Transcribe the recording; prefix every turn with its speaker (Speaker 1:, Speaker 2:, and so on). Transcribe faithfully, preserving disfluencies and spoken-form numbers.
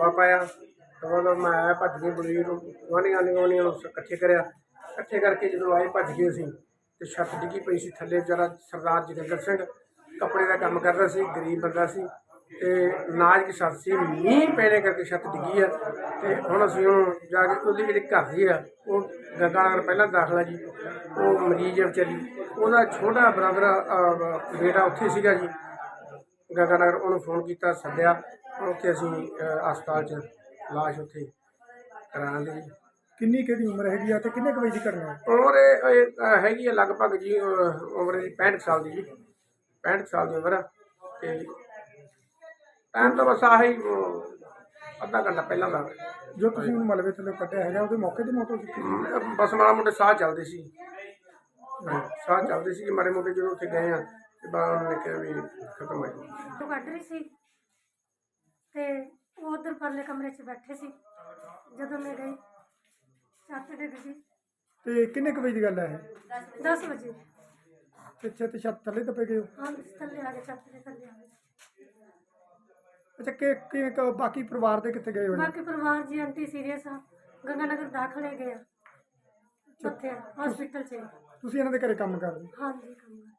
Speaker 1: ਰੌਲਾ ਪਾਇਆ ਤਾਂ ਮਤਲਬ ਮੈਂ ਆਇਆ ਭੱਜ ਕੇ ਬਲਵੀਰ ਨੂੰ ਗੁਆਂਢੀਆਂ ਗੁਆਂਢੀਆਂ ਨੂੰ ਇਕੱਠੇ ਕਰਿਆ। ਇਕੱਠੇ ਕਰਕੇ ਜਦੋਂ ਆਏ ਭੱਜ ਗਏ ਅਸੀਂ ਤੇ ਛੱਤ ਡਿੱਗੀ ਪਈ ਸੀ ਥੱਲੇ। ਵਿਚਾਰਾ ਸਰਦਾਰ ਜੋਗਿੰਦਰ ਸਿੰਘ ਕੱਪੜੇ ਦਾ ਕੰਮ ਕਰਦਾ ਸੀ, ਗਰੀਬ ਬੰਦਾ ਸੀ ਤੇ ਨਾਜ ਦੀ ਛੱਤ ਸੀ। ਮੀਂਹ ਪੈਣੇ ਕਰਕੇ ਛੱਤ ਡਿੱਗੀ ਆ ਤੇ ਹੁਣ ਅਸੀਂ ਉਹਨੂੰ ਜਾ ਕੇ ਉਹਦੀ ਜਿਹੜੀ ਘਰ ਦੀ ਆ ਉਹ ਗੰਗਾ ਨਗਰ ਪਹਿਲਾਂ ਦਾਖਲਾ ਜੀ, ਉਹ ਮਰੀਜ਼ ਆ ਵਿਚਾਰੀ, ਉਹਦਾ ਛੋਟਾ ਬ੍ਰਦਰ ਬੇਟਾ ਉੱਥੇ ਸੀਗਾ ਜੀ ਗੰਗਾ ਨਗਰ। ਉਹਨੂੰ ਫੋਨ ਕੀਤਾ, ਸੱਦਿਆ, ਉੱਥੇ ਅਸੀਂ ਹਸਪਤਾਲ 'ਚ ਲਾਸ਼ ਉੱਥੇ ਕਰਾਉਣ ਲਈ।
Speaker 2: ਕਿੰਨੀ ਕਿਹੜੀ ਉਮਰ ਹੈਗੀ ਆ ਤੇ ਕਿੰਨੇ ਕੁ ਵਜੇ ਦੀ ਘਟਨਾ ਹੈ?
Speaker 1: ਉਮਰ ਇਹ ਇਹ ਹੈਗੀ ਆ ਲਗਭਗ ਜੀ ਉਮਰ ਇਹਦੀ ਪੈਂਹਠ ਸਾਲ ਦੀ ਜੀ, ਪੈਂਹਠ ਸਾਲ ਦੀ ਉਮਰ ਆ। ਤੇ ਟਾਈਮ ਤਾਂ ਬਸ ਆਹੀ ਅੱਧਾ ਘੰਟਾ ਪਹਿਲਾਂ ਦਾ।
Speaker 2: ਜੋ ਤੁਸੀਂ ਉਹਨੂੰ ਮਲਬੇ ਥੱਲੇ ਕੱਢਿਆ ਹੈਗਾ ਉਹਦੇ ਮੌਕੇ ਦੀ ਮੌਤ ਹੋ ਚੁੱਕੀ ਸੀ?
Speaker 1: ਬਸ ਮਾੜਾ ਮੋਟੇ ਸਾਹ ਚੱਲਦੇ ਸੀ, ਸਾਹ ਚੱਲਦੇ ਸੀ ਮਾੜੇ ਮੋਟੇ। ਜਦੋਂ ਉੱਥੇ ਗਏ ਆ ਤੇ ਬਾਅਦ ਉਹਨਾਂ ਨੇ ਕਿਹਾ ਵੀ ਖਤਮ ਹੋ ਗਿਆ।
Speaker 3: ਕੱਢ ਰਹੀ ਸੀ ਤੇ ਉਹ ਉਧਰ ਪਰਲੇ ਕਮਰੇ 'ਚ ਬੈਠੇ ਸੀ। ਜਦੋਂ ਮੈਂ ਗਈ ਛੱਤ ਡਿੱਗ ਗਈ।
Speaker 2: ਤੇ ਕਿੰਨੇ ਕੁ ਵਜੇ ਦੀ ਗੱਲ ਹੈ ਇਹ?
Speaker 3: ਦਸ ਵਜੇ।
Speaker 2: ਤੇ ਛੱਤ ਛੱਤ ਥੱਲੇ ਦੱਬੇ ਗਏ ਹੋ?
Speaker 3: ਹਾਂ ਥੱਲੇ ਆ ਗਏ, ਛੱਤ ਦੇ ਥੱਲੇ ਆ ਗਏ।
Speaker 2: ਅੱਛਾ, ਕਿ ਕਿ ਕ- ਬਾਕੀ ਪਰਿਵਾਰ ਦੇ ਕਿੱਥੇ ਗਏ ਹੋਏ ਨੇ?
Speaker 3: ਬਾਕੀ ਪਰਿਵਾਰ ਜੀ ਆਂਟੀ ਸੀਰੀਅਸ ਆ, ਗੰਗਾ ਨਗਰ ਦਾਖਲੇ ਗਏ ਆ ਉੱਥੇ ਹਸਪੀਟਲ 'ਚ।
Speaker 2: ਤੁਸੀਂ ਇਹਨਾਂ ਦੇ ਘਰੇ ਕੰਮ ਕਰਦੇ?
Speaker 3: ਹਾਂਜੀ ਕੰਮ ਕਰ